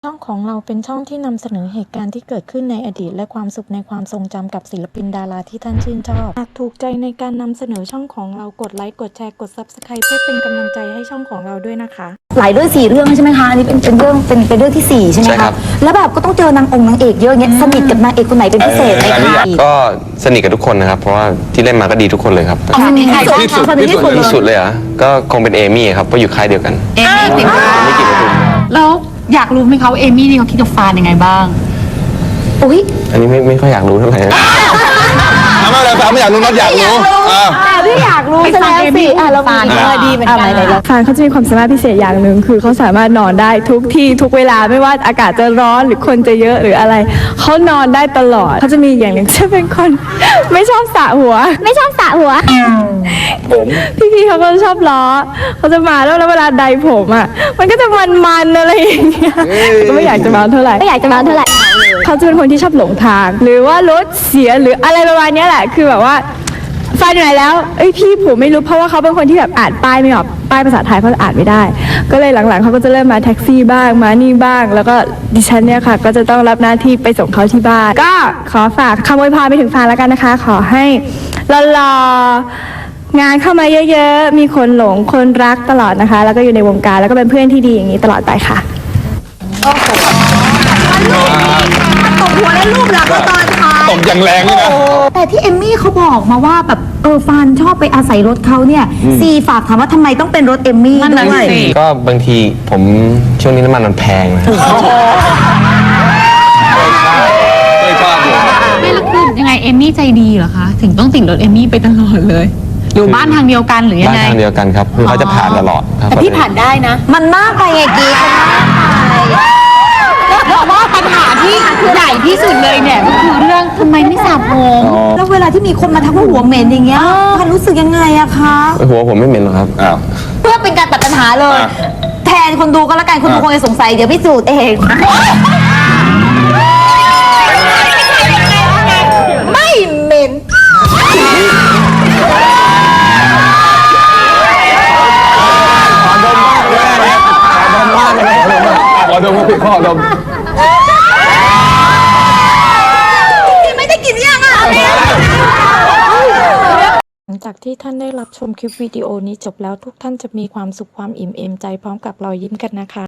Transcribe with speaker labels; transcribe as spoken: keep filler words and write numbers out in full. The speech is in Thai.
Speaker 1: ช่องของเราเป็นช่องที่นำเสนอเหตุการณ์ที่เกิดขึ้นในอดีตและความสุขในความทรงจำกับศิลปินดาราที่ท่านชื่นชอบหากถูกใจในการนำเสนอช่องของเรากดไลค์กดแชร์กด ซับสไครบ์ เพื่อเป็นกำลังใจให้ช่องของเราด้วยนะคะ
Speaker 2: หลายเรื่องสี่เรื่องใช่ไหมคะอันนี้เป็นเป็นเรื่องเป็นเป็นเรื่องที่สี่ใช่ไหม
Speaker 3: ใช่ครั
Speaker 2: คะ
Speaker 3: บ
Speaker 2: แล้วแบบก็ต้องเจอนางองค์นางเอกเยอะเงี้ยสนิทกับนางเอกคนไหนเป็นพิเศษไหมคะ
Speaker 3: ก็สนิทกับทุกคนนะครับเพราะว่าที่เล่นมาก็ดีทุกคนเลยครับ
Speaker 2: สนิทใคร
Speaker 4: ที่สุด
Speaker 2: สนิทที่สุด
Speaker 3: ที่สุดเลยเหรอ่ะก็คงเป็นเอมี่ครับเพราะอยู่ค่ายเดียวกัน
Speaker 4: เอมี่ติดตาม
Speaker 3: ไม่กี่ประตู
Speaker 4: แล้วอยากรู้ไหมคะว่าเอมี่นี่เขาคิดกับฟานยังไงบ้าง
Speaker 2: อุ้ย
Speaker 3: อันนี้ไม่ไม่ค่อยอยากรู้เท่าไหร่นะ
Speaker 4: ทำไมเลยฟานไม่อยากรู้น็อตอยากรู้อ่า
Speaker 2: พี่อยากรู้ซะแล้วสิอ่ะเรามีเออดีเหมือนกันไหนๆ
Speaker 5: ฟานเขาจะมีความสามารถพิเศษอย่างหนึ่งคือเขาสามารถนอนได้ทุกที่ทุกเวลาไม่ว่าอากาศจะร้อนหรือคนจะเยอะหรืออะไรเขานอนได้ตลอดเขาจะมีอย่างหนึ่งจะเป็นคน ไม่ชอบสระหัว ไม่ชอบสระหัวพี่ๆเขาก็ชอบล้อเขาจะมาแล้วแล้วเวลาใดผมอ่ะมันก็จะมันๆอะไรอย่างเงี้ยก็ไม่อยากจะมาเท่าไหร่ไม่อยากจะมาเท่าไหร่เขาจะเป็นคนที่ชอบหลงทาง หรือว่ารถเสียหรืออะไรประมาณเนี้ยแหละคือแบบว่า ฟานอยู่ไหนแล้วเอ้ยพี่ผมไม่รู้เพราะว่าเขาเป็นคนที่แบบอ่านป้ายไม่ออกป้ายภาษาไทยเขาอ่านไม่ได้ ก็เลยหลังๆเขาก็จะเริ่มมาแท็กซี่บ้างมานี่บ้าง แล้วก็ดิฉันเนี่ยค่ะก็จะต้องรับหน้าที่ไปส่งเขาที่บ้านก็ขอฝากคำอวยพรไปถึงฟานแล้วกันนะคะ ขอให้หล่อๆงานเข้ามาเยอะๆมีคนหลงคนรักตลอดนะคะ แล้วก็อยู่ในวงการแล้วก็เป็นเพื่อนที่ดีอย่างนี้ตลอดไปค่ะ
Speaker 2: ตบหัวและรูปหลังก็ตอนท้าย
Speaker 4: ตบอย่างแรงเลยนะ
Speaker 2: แต่ที่เอมมี่เขาบอกมาว่าแบบเออฟานชอบไปอาศัยรถเขาเนี่ยซีฝากถามว่าทำไมต้องเป็นรถเอมมี่ด้วย
Speaker 3: ก็บางทีผมช่วงนี้น้ำมันมันแพงนะ
Speaker 4: ไม่ชอบอยู่
Speaker 6: ไม่แล้วคือยังไงเอมมี่ใจดีเหรอคะ ถึงต้องติดรถเอมมี่ไปตลอดเลย อยู่บ้านทางเดียวกันหรือยั
Speaker 3: บ้าง น
Speaker 6: ไง
Speaker 3: ทางเดียวกันครับคือเขาจะผ่านตลอดครับ
Speaker 2: แต่พี่ผ่านได้นะ มันมากไปไงกีมันมากไป
Speaker 6: เพราะว่าปัญหาที่ใหญ่ที่สุดเลยเนี่ยก็คือเรื่องทำไมไม่สระผม
Speaker 2: แล้วเวลาที่มีคนมาทักว่าหัวเหม็นอย่างเงี้ยพันรู้สึกยังไงอะคะ
Speaker 3: หัวผมไม่เหม็นหรอกครับ
Speaker 4: อ้าว
Speaker 2: เพื่อเป็นการตัดปัญหาเลย
Speaker 4: อ่ะ
Speaker 2: แทนคนดูก็แล้วกันคนดูคงจะสงสัยเดี๋ยวพิสูจน์เอง ไม่เหม็น
Speaker 4: ขอดมครับพี่ขอดม
Speaker 2: ไม่ได้กินยังอ่ะ
Speaker 1: หลังจากที่ท่านได้รับชมคลิปวิดีโอนี้จบแล้วทุกท่านจะมีความสุขความอิ่มเอมใจพร้อมกับรอยยิ้มกันนะคะ